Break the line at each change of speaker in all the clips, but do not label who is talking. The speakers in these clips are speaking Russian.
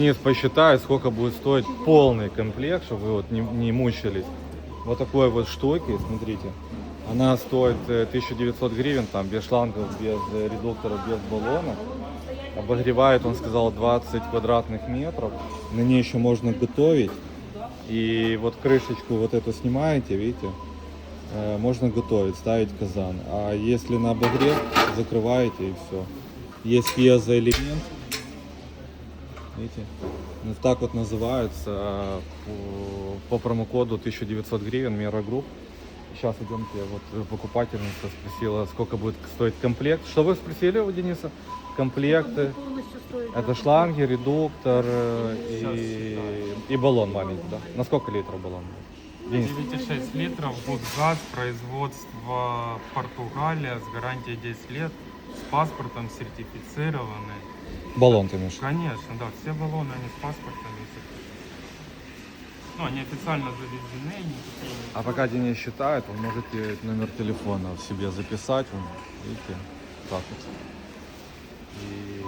Денис посчитает, сколько будет стоить полный комплект, чтобы вы вот не мучились. Вот такой вот штуки, смотрите. Она стоит 1900 гривен, там без шлангов, без редукторов, без баллонов. Обогревает, он сказал, 20 квадратных метров. На ней еще можно готовить. И вот крышечку вот эту снимаете, видите, можно готовить, ставить казан. А если на обогрев, закрываете и все. Есть пьезоэлемент. Видите? Вот так вот называется по промокоду 1900 гривен Мера Групп. Сейчас идемте, вот покупательница спросила, сколько будет стоить комплект. Что вы спросили у Дениса? Комплекты. Это шланги, редуктор и баллон маленький, да? На сколько литров баллон?
9,6 литров, газ, производство Португалия с гарантией 10 лет, с паспортом сертифицированный.
Баллон ты имеешь?
Конечно, да, все баллоны, они с паспортом и сертифицированы. Ну, они официально завезены, никакие...
А пока Денис считает, вы можете номер телефона в себе записать, вон, видите, так вот. И...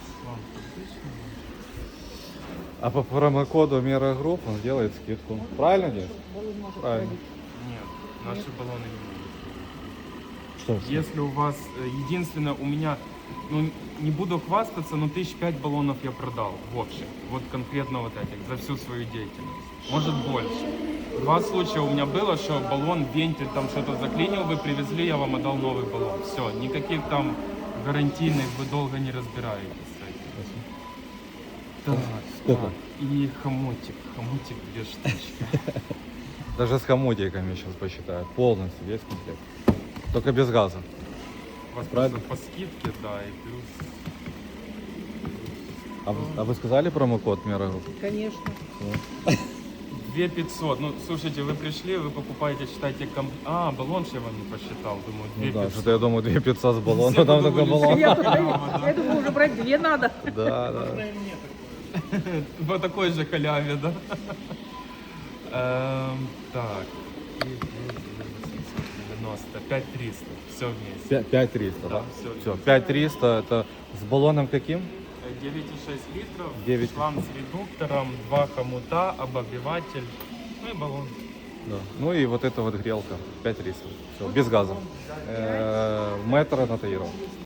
А по промокоду Мера Групп он делает скидку. Правильно, Денис? Правильно.
Нет, наши баллоны не могут.
Что?
Если у вас, единственное, у меня, ну, не буду хвастаться, но 1005 баллонов я продал в общем. Вот конкретно вот этих, за всю свою деятельность. Может больше. Два случая у меня было, что баллон, вентиль, там что-то заклинил, вы привезли, я вам отдал новый баллон. Все, никаких там гарантийных, вы долго не разбираетесь с этим. Так,
Сколько?
так, и хомутик 2 штучки.
Даже с хомутиками сейчас посчитаю. Полностью весь комплект. Только без газа.
У вас
Правильно?
просто по скидке, да, и плюс...
А вы сказали промокод Мера Групп?
Конечно.
2500. Ну, слушайте, вы пришли, вы покупаете, считайте, А, баллон же я вам не посчитал, думаю,
Ну да,
2500.
что-то я думаю 2500 с баллона,
Все
там такой
подумали,
баллон.
Я думаю, уже брать 2 надо.
Да, да.
По такой же халяве, да? Так. 90, 5300. Все вместе.
5300, да?
Да, всё.
Все, 5300 это с баллоном каким?
9,6 литров,
9.
шланг с редуктором, 2 хомута, обогреватель, ну и баллон.
Да. Ну и вот эта вот грелка 5300. Все, без газа. Метр на Таирова.